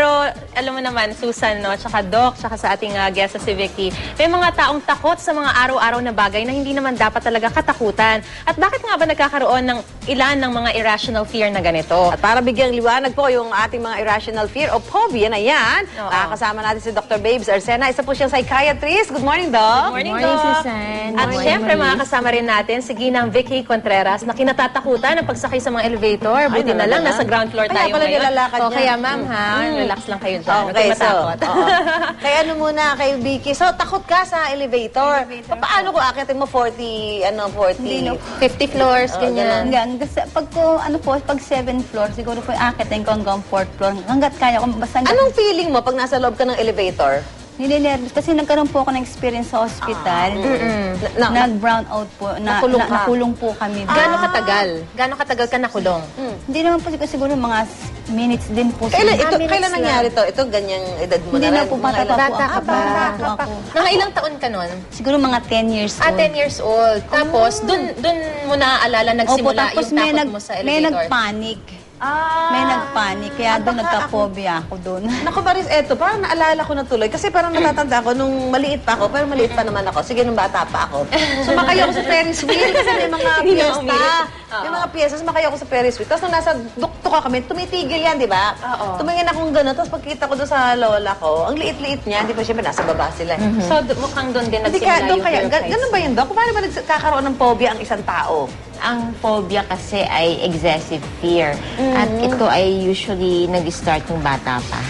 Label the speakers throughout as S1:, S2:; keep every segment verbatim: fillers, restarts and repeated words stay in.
S1: Pero alam mo naman, Susan, no, tsaka Doc, tsaka sa ating uh, guest sa si Vicky, may mga taong takot sa mga araw-araw na bagay na hindi naman dapat talaga katakutan. At bakit nga ba nagkakaroon ng ilan ng mga irrational fear na ganito?
S2: At para bigyang liwanag po yung ating mga irrational fear o phobia na yan, nakakasama natin si Doctor Babes Arsena. Isa po siyang psychiatrist. Good morning, Doc.
S1: Good morning,
S3: Good morning,
S1: Doc.
S3: Susan.
S1: At
S3: Good morning,
S1: syempre,
S3: Marie.
S1: makakasama rin natin si Ginang Vicky Contreras na kinatatakutan ng pagsakay sa mga elevator. Buti na lang, nasa ground floor tayo
S2: Kaya pala
S1: ngayon.
S2: nilalakad
S1: O,
S2: niya.
S1: kaya ma'am ha, relax lang kayo dyan.
S2: Okay,
S1: Huwag
S2: so,
S1: matakot.
S2: oo. Kaya ano muna kay Vicky. So, takot ka sa elevator.
S3: Elevator
S2: Pa- Paano kung akitin mo forty, ano, forty?
S3: Hindi, no.
S1: fifty floors,
S2: Oo,
S1: ganyan.
S3: Hanggang, kasi pag ko, ano po, pag seventh floor, siguro po akitin ko hanggang fourth floor. Hanggat kaya ko, basta hanggang-
S2: Anong feeling mo pag nasa loob ka ng elevator?
S3: Nilinervous. Kasi nagkaroon po ako ng experience sa hospital.
S2: Na- na-
S3: Nag-brown out po. Na,
S2: Nakulong
S3: na-
S2: ka?
S3: nakulong po kami.
S1: Gaano katagal? Gaano katagal ka nakulong?
S3: Hindi naman po siguro, siguro mga s- minutes din po.
S2: Kailan,
S3: siguro.
S2: ito,
S1: minutes
S2: kailan
S1: lang.
S2: nangyari to? Ito, ganyang edad mo
S3: Hindi
S2: na
S3: na
S2: rin.
S3: po,
S2: Mga
S3: bata pa
S2: ilan-
S3: po
S1: Bata ka
S3: ako.
S1: pa.
S3: Bata po ako.
S1: Mga ilang taon ka nun?
S3: Siguro mga ten years
S1: Ah,
S3: old.
S1: ten years old. Tapos, dun, dun mo naaalala,
S3: Opo,
S1: nagsimula
S3: tapos
S1: yung
S3: may,
S1: takot
S3: nag,
S1: mo sa
S3: may
S1: elevator.
S3: nagpanic.
S2: Ah.
S3: May nagpanic. Kaya doon
S2: baka
S3: nagka-phobia ako doon.
S2: Naku, Baris, eto, parang naalala ko na tuloy. Kasi parang natatanda ko nung maliit pa ako, pero maliit pa naman ako. Sige, nung bata pa ako. Sumakay ako sa Ferris wheel kasi may mga
S1: Hindi na
S2: piyesta.
S1: umilit.
S2: May mga piyesta, sumakay ako sa Ferris wheel. Tapos nung nasa dukto ka kami, tumitigil yan, di ba?
S1: Oo.
S2: Tumingin akong gano'n. Tapos pagkita ko doon sa lola ko, ang liit-liit niya. Di ba, syempre, nasa baba sila. eh.
S1: So, d- mukhang doon din
S2: Hindi
S1: nagsimula
S2: ka, doon
S1: yung
S2: kaya,
S1: fear of
S2: ga-
S1: heights.
S2: ganun ba yun, Doc? Paano ba nagkakaroon ng phobia ang isang tao?
S4: Ang phobia kasi ay excessive fear. At ito ay usually nag-start ng bata pa.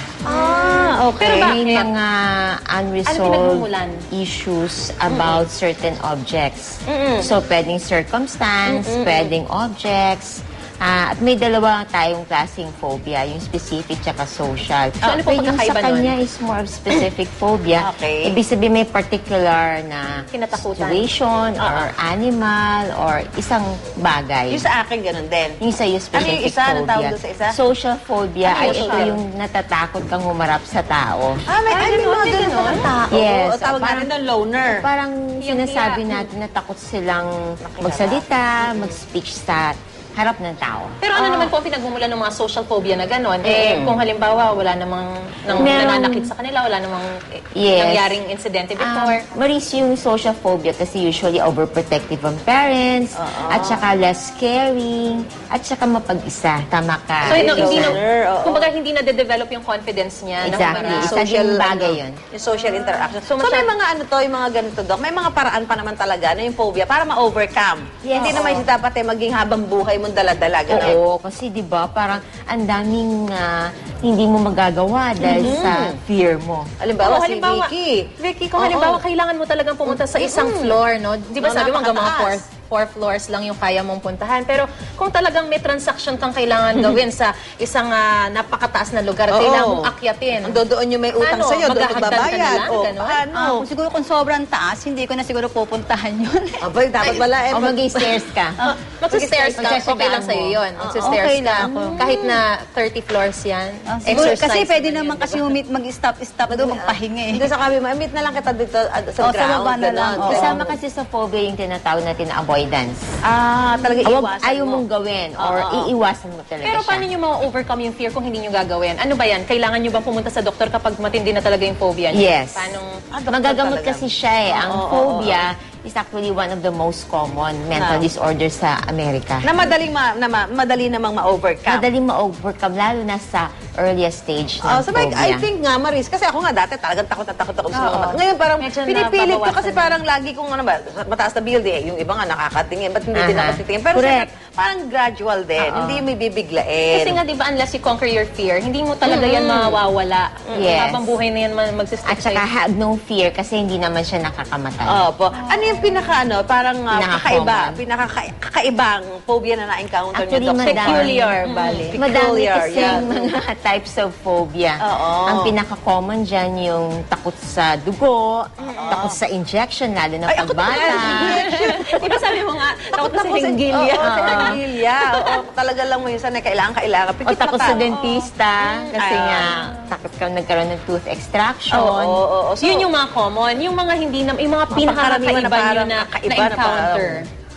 S2: Ah, okay.
S1: Pero bakit?
S4: May mga unresolved
S1: pinagmumulan?
S4: issues about certain objects. So, pwedeng circumstance, pwedeng objects. Ah, at may dalawa tayong klaseng phobia, yung specific tsaka social.
S1: So, ano po
S4: yung
S1: pagkakaiba
S4: sa kanya is more of specific phobia.
S2: Okay.
S4: Ibig sabihin may particular na
S1: Kinatakutan.
S4: situation or animal or isang bagay.
S2: Yung sa akin, ganun din.
S4: Yung sa'yo
S2: Ano
S4: specific
S2: yung isa? Anong
S4: phobia.
S2: tawag doon sa isa?
S4: Social phobia
S2: Ano
S4: ay
S2: yung
S4: ito
S2: social?
S4: yung natatakot kang humarap sa tao.
S2: Ah, may, ay, may mga ganun pa ng tao.
S4: Yes.
S2: O, tawag
S4: Parang-
S2: natin doon, loner.
S4: Parang sinasabi natin na takot silang magsalita, mag-speech sa harap ng tao.
S1: Pero ano naman po ang pinagmumulan ng mga social phobia na gano'n? Eh, kung halimbawa, wala namang nang,
S4: Meron-
S1: nananakit sa kanila, wala namang eh,
S4: Yes.
S1: nangyaring insidente before.
S4: Um, Maris, yung social phobia kasi usually overprotective ang parents, at saka less caring, at saka mapag-isa. Tama ka.
S1: so, no, hindi na,
S2: loner, oo.
S1: kumbaga hindi na-develop yung confidence niya. na
S4: Exactly.
S1: humarap.
S4: Isa
S2: social,
S4: din bagay
S2: ano,
S4: yun.
S2: Yung social interaction. So,
S1: So,
S2: may
S1: masyad-
S2: mga ano to, yung mga ganito, Doc, may mga paraan pa naman talaga na yung phobia para ma-overcome.
S4: Yes.
S2: Hindi naman yung dapat eh, maging habang buhay mong dala-dala. Ganun.
S4: Oo, kasi 'di ba parang ang daming ah, hindi mo magagawa dahil sa fear mo.
S2: Halimbawa,
S1: Oo,
S2: si
S1: halimbawa,
S2: Vicky.
S1: Vicky, kung
S2: Oo.
S1: halimbawa kailangan mo talagang pumunta sa isang floor, no? Di ba
S2: Oo,
S1: sabi mo hanggang mga four,
S2: napakataas.
S1: four floors lang yung kaya mong puntahan. Pero kung talagang may transaction kang kailangan gawin sa isang ah, napakataas na lugar, at
S2: Oo.
S1: kailangan mong akyatin.
S2: Ando doon yung may utang
S1: Ano,
S2: sa'yo, doon
S1: maghahagdan ka na
S2: magbabayad.
S1: lang,
S2: O,
S1: ganon?
S2: paano?
S3: Ah, kung siguro kung sobrang taas, hindi ko na siguro pupuntahan yun.
S2: Abay, dapat wala eh.
S4: O mag-stairs ka.
S1: Magsa-stairs ka,
S4: Magsasagaan
S1: okay lang sa'yo
S4: mo.
S1: yun. Magsa-stairs
S3: okay
S1: ka.
S3: lang ako.
S1: Kahit na thirty floors yan.
S3: Ah, siguro,
S1: Exercise
S3: kasi pwede
S1: naman
S3: naman
S1: yun,
S3: kasi
S1: diba?
S3: humit, mag-stop-stop doon, magpahinga eh.
S2: Hindi sa kami, ma-meet na lang kita dito ah, sa
S3: Oh, sa
S2: ground.
S3: baba na lang.
S2: ganon.
S3: Oo.
S4: Kasama kasi sa phobia yung tinatawag natin na avoidance.
S2: Ah, talaga
S4: Awag,
S2: iwasan
S4: ayaw
S2: mo.
S4: mong gawin or iiwasan mo talaga
S1: Pero
S4: siya.
S1: paano nyo ma-overcome yung fear kung hindi nyo gagawin? Ano ba yan? Kailangan nyo bang pumunta sa doktor kapag matindi na talaga yung phobia nyo?
S4: Yes.
S1: Paano?
S2: Ah, doktor
S4: Magagamot
S2: talaga.
S4: kasi siya eh. Ang
S2: Oo, oo,
S4: phobia is actually one of the most common mental
S2: Na.
S4: disorders sa Amerika.
S2: Na madaling ma, na ma, madali namang ma-overcome.
S4: Madaling ma-overcome, lalo na sa earliest stage ng
S2: Oh, so like,
S4: phobia.
S2: I think nga, Maris, kasi ako nga dati talagang takot na takot ako sa mga
S1: Oo.
S2: mata. Ngayon parang
S1: Medyo
S2: pinipilit ko
S1: nababawasan
S2: kasi
S1: na.
S2: parang lagi kong ano ba, mataas na building, eh, yung iba nga nakakatingin, ba't hindi din
S4: Aha.
S2: ako titingin? Pero
S4: Correct.
S2: siyempre, parang gradual din,
S4: Oo.
S2: hindi may bibiglain.
S1: Kasi nga, di ba, unless you conquer your fear, hindi mo talaga yan mawawala.
S4: Yes.
S1: Habang buhay na yan ma- magsistick
S4: At saka
S1: sa'yo.
S4: have no fear kasi hindi naman siya nakakamatay.
S2: Opo. Ano yung pinaka ano, parang uh,
S4: Pinaka-common.
S2: kakaiba, pinaka kakaibang phobia na na-encounter niyo,
S4: Actually,
S2: Doc?
S4: madami.
S1: Peculiar, bali.
S4: Madami
S2: Peculiar,
S4: kasi
S2: yeah.
S4: mga types of phobia.
S2: Oo.
S4: Ang pinaka-common dyan yung takot sa dugo, takot sa injection, lalo na
S2: Ay, ako
S4: pagbata.
S1: Di ba sabi mo nga, takot na sa
S2: Takot
S1: hinggilya.
S2: Oo, sa hinggilya. Oo, talaga lang mo yun sana kailangan, kailangan.
S4: O
S2: Pikit
S4: takot
S2: mata.
S4: sa dentista, kasi
S2: Ah.
S4: nga, takot ka nagkaroon ng tooth extraction.
S2: Oo, oo, oo. So,
S1: Yun yung mga common. Yung mga hindi na, yung mga
S2: Pangkaraniwan
S1: pinaka-kakaiba nyo
S2: parang
S1: na,
S2: kakaiba na
S1: na-encounter.
S2: parang-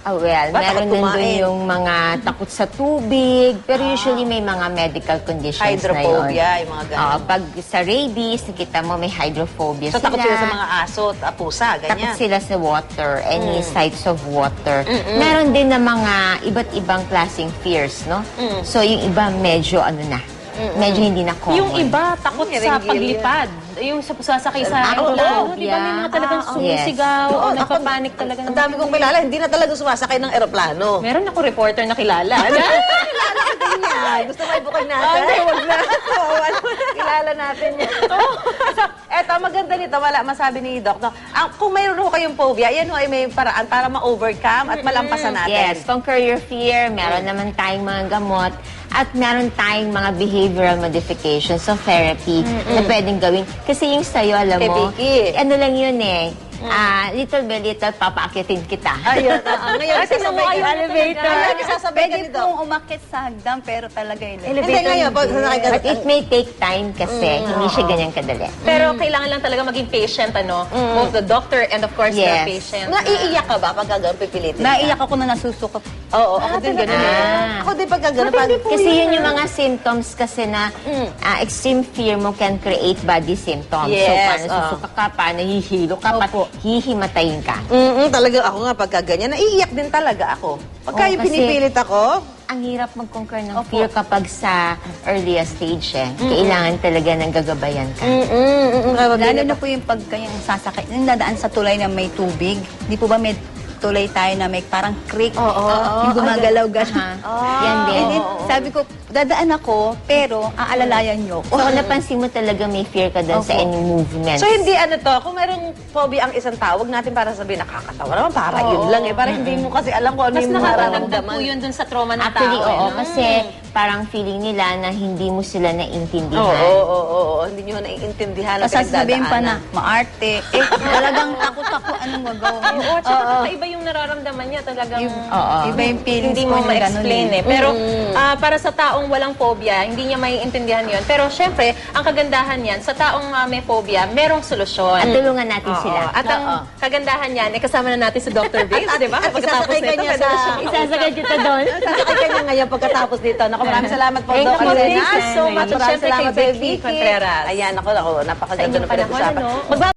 S4: Ah, well,
S2: Ba,
S4: meron
S2: takot
S4: din
S2: kumain?
S4: doon yung mga takot sa tubig, pero usually may mga medical conditions
S2: Hydrophobia,
S4: na yun.
S2: yung mga ganun.
S4: Oo, pag sa rabies, nakita mo may hydrophobia
S2: So,
S4: sila.
S2: takot sila sa mga aso at pusa,
S4: Takot
S2: ganyan.
S4: sila sa water, any
S2: Mm.
S4: sites of water. Meron din na mga iba't ibang klaseng fears, no?
S2: Mm.
S4: So, yung iba medyo ano na, medyo hindi na common.
S1: Yung iba, takot
S2: Mm,
S1: sa
S2: ringgil
S1: paglipad. Yung sa sasakay sa
S4: Ah,
S1: aeroplano.
S4: phobia.
S1: Di ba may mga talagang
S4: Ah, oh.
S1: sumisigaw
S2: Oo,
S1: o
S2: ako-
S1: nagpapanik talaga.
S2: Ang
S1: ng-
S2: dami kong kilala, hindi na talaga sumasakay ng eroplano.
S1: Meron ako reporter na kilala.
S2: Kilala ko din yan. Gusto mo ibukay natin?
S1: Oh, hindi, wag na.
S2: Oo, kilala natin yan. so, eto, maganda nito, wala masabi ni Doc. No? Ang, kung mayroon ho kayong phobia, yan ho ay may paraan para ma-overcome at malampasan natin.
S4: Yes, conquer your fear. Meron naman tayong mga gamot. At meron tayong mga behavioral modifications of therapy na pwedeng gawin. Kasi yung sa'yo, alam
S2: Kay
S4: mo,
S2: Vicky.
S4: ano lang yun eh, ah, little by little, papaakitin kita.
S2: Ayun, oo. Ngayon,
S1: Kasi
S2: sasabay
S1: naman
S2: ka.
S1: yung elevator.
S2: Ngayon, sasabay ka
S3: Pwede
S2: ni Doc.
S3: pong umakit sa hagdan, pero talaga yun.
S2: Hindi, ngayon, pag sasakay ka.
S4: But it may take time kasi hindi siya ganyan kadali.
S1: Pero kailangan lang talaga maging patient, ano? Both the doctor and of course
S4: Yes.
S1: the patient.
S2: Naiiyak ka ba pag gagawin pipilitin? ka?
S3: Naiyak ako na nasusukot.
S2: Oo, ako din ganun eh.
S4: Ah.
S2: Ako din pag gagawin. Pag,
S4: Kasi yun yung mga symptoms kasi na ah, extreme fear mo can create body symptoms. so,
S2: Yes,
S4: paano
S2: oh.
S4: susuka ka, paano hihilo ka, pa, hihimatayin ka.
S2: Mm-mm, talaga ako nga pagka ganyan, naiiyak din talaga ako. Pagka
S4: Oo,
S2: yung
S4: kasi-
S2: pinipilit ako,
S4: Ang hirap mag-conquer ng fear kapag sa earliest stage eh. Kailangan talaga ng gagabayan ka.
S2: mm-mm, mm-mm,
S3: Lalo na po yung pag kayong sasakay, yung dadaan sa tulay na may tubig. Di po ba may tulay tayo na may parang creek?
S2: Oo.
S3: Yung gumagalaw gano'n.
S4: Aha. Yan din.
S3: And then, sabi ko, dadaan ako, pero aalalayan niyo
S4: So,
S3: ko.
S4: napansin mo talaga may fear ka doon sa
S3: Opo.
S4: any movement.
S2: So hindi ano to, kung merong phobia ang isang tawag natin para sabihin nakakatawa naman, para yun lang eh. Para hindi mo kasi alam kung ano
S1: Mas
S2: yung
S1: nakakadagdag
S2: nararamdaman.
S1: po yun dun sa trauma ng
S4: Actually,
S1: tao.
S4: oo.
S1: eh, no?
S4: Kasi parang feeling nila na hindi mo sila
S2: Oo,
S4: naiintindihan.
S2: oo, oo, oo. Hindi nyo naiintindihan ang
S3: Tapos sasabihin pa na,
S2: pinagdadaanan.
S3: maarte. Eh, talagang takot ako anong magawin.
S1: Oo, tsaka kakaiba yung nararamdaman niya talagang
S4: Oo.
S3: Iba yung feelings
S1: hindi
S3: ko
S1: mo
S3: na ganun
S1: ma-explain eh. Pero ah, para sa taong walang phobia, hindi niya maiintindihan yon. Pero syempre, ang kagandahan niyan, sa taong ah, may phobia, merong solusyon.
S4: At tulungan natin
S1: Oo.
S4: sila.
S1: At ang
S2: Oo.
S1: kagandahan niyan, eh, kasama na natin si Doctor Bates, di ba?
S2: at
S1: Pagkatapos
S2: isasakay ka
S1: nito,
S2: niya
S1: pwede na
S2: sa-
S1: siya
S4: Isasagad kita doon.
S2: Sasakay ka niya ngayon pagkatapos dito. Naku, maraming salamat po,
S4: Thank
S2: Doc
S4: you,
S2: Alena.
S4: thank you so much.
S2: Maraming
S1: At syempre kay
S2: salamat,
S1: Vicky
S2: Vicky.
S1: Contreras.
S2: Ayan, ako, ako, napakaganda
S1: Sa inyong
S2: ng pinag-usapan.
S1: panahon, ano?
S2: Magba-